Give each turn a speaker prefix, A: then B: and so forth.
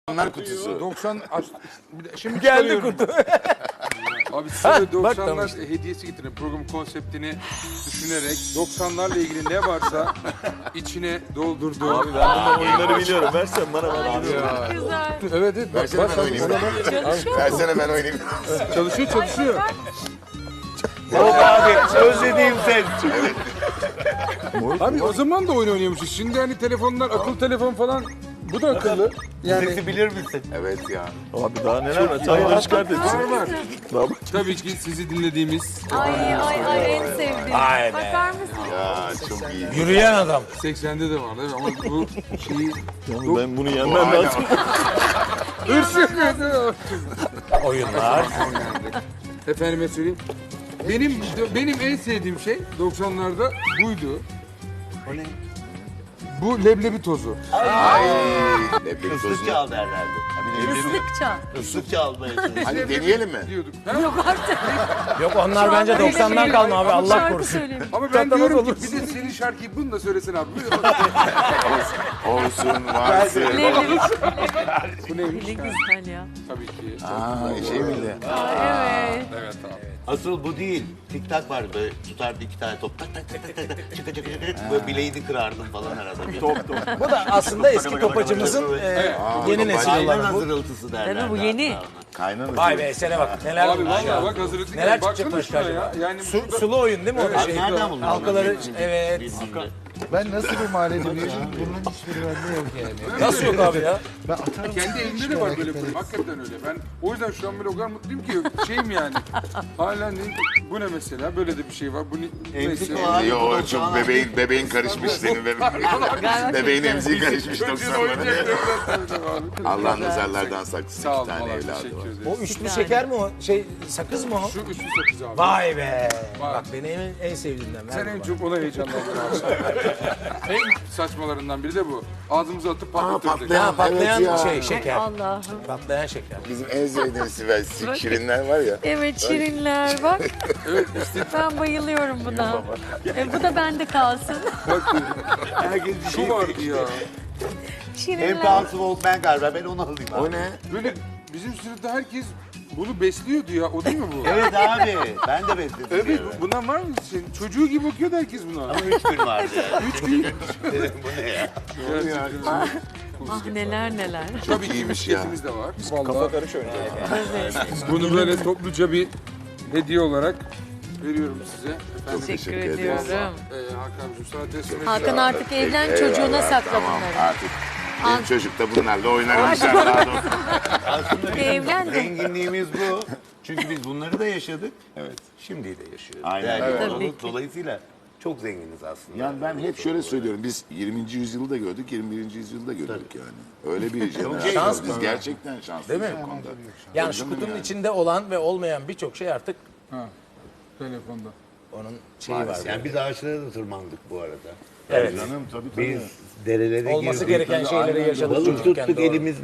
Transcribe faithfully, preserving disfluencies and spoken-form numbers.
A: doksanlar kutusu.
B: doksan aç- bir de- şimdi
C: Geldi
B: çıkarıyorum.
C: kutu.
B: Abi size de
C: bak
B: doksanlar
C: tamam.
B: hediyesi getirin. Programın konseptini düşünerek doksanlarla ilgili ne varsa içine doldurduğum.
C: Abi ben bundan oyunları biliyorum. Versen bana ben biliyorum.
B: Ya.
D: Güzel.
B: Evet evet. Bak,
A: Versene
B: bak,
A: ben oynayayım.
D: Çalışıyor mu?
A: Versene ben oynayayım.
B: çalışıyor çalışıyor.
C: Yok abi özlediğim sen.
B: Abi o zaman da oyun oynuyormuşuz. Şimdi hani telefonlar, akıllı telefon falan bu da akıllı. Yani
C: Sesi bilir misin?
A: Evet ya.
C: Abi daha neler var? Çayları çıkart et.
B: var var.
C: Daha bak.
B: Tabii ki sizi dinlediğimiz
D: Ay ay ay en sevdiğim.
C: Ay be.
D: Bakar mısın?
A: Ya çok iyi.
C: Yürüyen adam.
B: seksende de var değil mi? Ama bu şeyi
C: Yani ben bunu yenmem lazım.
B: hırs yapıyordu.
C: Oyunlar.
B: Efendime söyleyeyim. Benim benim en sevdiğim şey doksanlarda buydu.
C: O ne?
B: Bu leblebi tozu.
A: Ay. Leblebi
E: Islık
A: tozunu.
E: çal derlerdi.
D: Islıkça.
E: Islık çalmaya çalışıyor.
A: Hadi deneyelim mi?
B: Diyorduk. Ha?
D: Yok artık.
C: Yok onlar bence doksandan kalma abi Allah
D: Şarkı
C: korusun.
D: söyleyeyim.
B: Ama ben
C: Çatamaz
B: diyorum ki
C: olursun.
B: bir de senin şarkıyı bunu da söylesene abi.
A: Olsun varsın.
D: Leblebi.
B: Bu neymiş?
D: Ne güzel ya.
B: Tabii ki.
A: Aa şey miydi?
D: Aa, evet.
B: Evet tamam.
E: Asıl bu değil. Tik tak vardı böyle tutardı iki tane top tak tak tak tak tak tak çıka çıka çıka çıka böyle bileğini kırardım falan arada. Bir. Top top.
C: Bu da aslında eski topacımızın e, yeni nesil
E: Aynen
C: olanı bu.
E: hazırıltısı derlerdi.
D: Tabii bu yeni.
E: hatta ona.
A: Kaynanası.
C: Vay be esene bak neler
B: Abi
C: bulmuş ya.
B: vallahi bak hazırlıklı.
C: Neler
B: Baksana
C: çıkacak başka
B: şuna ya.
C: acaba?
B: Yani
C: Su,
B: burada-
C: sulu oyun değil mi o da
E: Abi
C: şey?
E: nereden buldun?
C: Halkaları
E: bunları?
C: evet.
E: Bildiğinde.
F: Ben nasıl bir mahallede büyüdüm? Bunların hiçbiri bende yok yani.
C: Nasıl yok abi ya?
F: Ben atarım.
B: Kendi elimde de var böyle bir hakikaten öyle. Ben o yüzden şu an böyle o kadar mutluyum ki şeyim yani. Hala ne, bu ne mesela? Böyle de bir şey var. Bu ne,
E: Emzik
B: neyse.
E: o abi.
A: Yo çok bebeğin bebeğin karışmış senin bebeğin. Bebeğin emziği karışmış
B: Çocuğun
A: doksanlara.
B: oyuncaklarından tanıdım abi.
A: Allah nazarlardan saklasın.
B: Sağ
A: İki
B: olun
A: tane
B: valla
A: evladı
B: teşekkür
A: var.
B: ederim.
C: O üçlü şeker mi o? Şey sakız mı o?
B: Şu üçlü sakız abi.
C: Vay be.
B: Vay.
C: Bak benim en, en sevdiğimden. Ver
B: Sen
C: bu
B: en
C: bana.
B: çok ona heyecanlandın abi. En saçmalarından biri de bu. Ağzımıza atıp
A: Aa
B: patlatırdık.
A: patlayan,
C: Ha, patlayan
A: evet ya.
C: şey şeker.
D: Allah'ım.
C: Patlayan şeker.
A: Bizim en sevdiğimiz Sibel şirinler var ya.
D: Evet şirinler bak.
B: Evet işte
D: Ben bayılıyorum buna. E, bu da bende kalsın.
E: Herkes bir
B: şu
E: şey
B: vardı ya.
E: En
D: Şirinler.
E: pahalısı Walkman galiba ben onu alayım abi.
A: O ne?
B: Böyle bizim sınıfta herkes bunu besliyordu ya. O değil mi bu?
E: Evet abi ben de besledim.
B: Evet,
E: bir
B: bu-
E: ara.
B: bundan var mı senin? Çocuğu gibi bakıyordu herkes buna.
E: Ama üç gün vardı ya.
B: Üç gün.
E: Dedim bu ne ya?
B: Gerçekten.
D: Ah neler neler.
B: Tabii ki
A: İyiymiş ya.
B: misketimiz de var.
C: Kafa
B: Vallahi
C: karış oynayacak.
D: Evet.
B: bunu böyle topluca bir hediye olarak veriyorum size. Efendim,
D: Teşekkür
A: teşekkür ederiz.
D: ediyorum.
B: Ee, Hakan'cığım sana teslim ediyorum.
D: Hakan artık evlen
A: Eyvallah,
D: çocuğuna sakla
A: tamam,
D: bunları.
A: artık. Benim çocuk da bunlarla oynar inşallah. Daha doğrusu.
E: Aslında bizim
D: Evlendim.
E: zenginliğimiz bu. Çünkü biz bunları da yaşadık.
A: Evet.
E: Şimdi de yaşıyoruz.
A: Aynen.
E: Değerli
A: Evet.
E: olalım.
D: Tabii ki.
E: Dolayısıyla çok zenginiz aslında.
A: Yani ben hep şöyle söylüyorum. Biz yirminci yüzyılı da gördük, yirmi birinci yüzyılda gördük yani. Öyle bir jenerasyon.
C: şans
A: Biz
C: mı?
A: gerçekten şanslıyız
C: Değil mi?
A: bu konuda.
C: Yani şu kutunun içinde olan ve olmayan birçok şey artık
B: Ha, telefonda.
C: onun şeyi var.
E: Yani biz ağaçlara da tırmandık bu arada.
C: Evet.
A: Canım tabii tabii.
E: Biz derelere
C: Olması
E: girdik.
C: gereken şeyleri yaşadık
E: Balık
C: çocukken.
E: tuttuk
C: doğru.
E: elimizle.